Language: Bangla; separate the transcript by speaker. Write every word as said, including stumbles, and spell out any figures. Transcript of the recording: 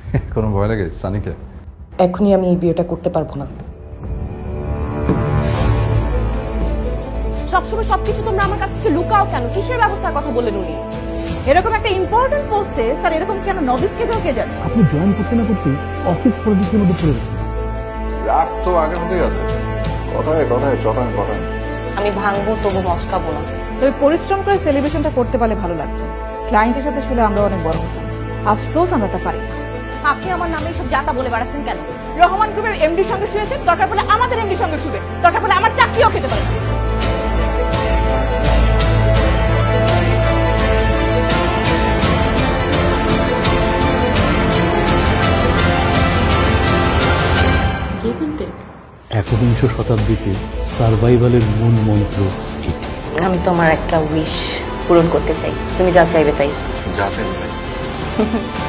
Speaker 1: কোনো ভয় লাগে সানিকে?
Speaker 2: এখনই আমি এই বিয়েটা করতে পারবো না।
Speaker 3: সবসময় সবকিছু তোমরা আমার কাছ থেকে লুকাও কেন? কিসের ব্যবস্থার কথা বললেন উনি? এরকম একটা ইম্পর্টেন্ট পোস্টে স্যার এরকম কেন নবিসকে ঢোকে যান?
Speaker 4: আপনি জয়েন করতে না করতে অফিস পলিটিক্সের মধ্যে পড়ে গেছেন।
Speaker 1: রাগ তো আগের মধ্যেই আছে, কথায় কথায় চটায় পটায়।
Speaker 2: আমি ভাঙবো তবু মচকাবো না।
Speaker 5: তবে পরিশ্রম করে সেলিব্রেশনটা করতে পারলে ভালো লাগতো। ক্লায়েন্টের সাথে শুলে আমরা অনেক বড় হতাম। আফসোস আমরা তা পারি না।
Speaker 3: আপনি আমার নামে সব জাতা বলে বেড়াচ্ছেন কেন? রহমান গ্রুপের এমডির সঙ্গে শুয়েছেন, দরকার পড়লে আমাদের এমডির সঙ্গে শুবে, দরকার পড়লে আমার চাকরিও খেতে পারে।
Speaker 4: একবিংশ শতাব্দীতে সার্ভাইভালের মূল মন্ত্র এটি।
Speaker 2: আমি তোমার একটা উইশ পূরণ করতে চাই, তুমি যা চাইবে তাই।
Speaker 1: যা চাইবে তাই।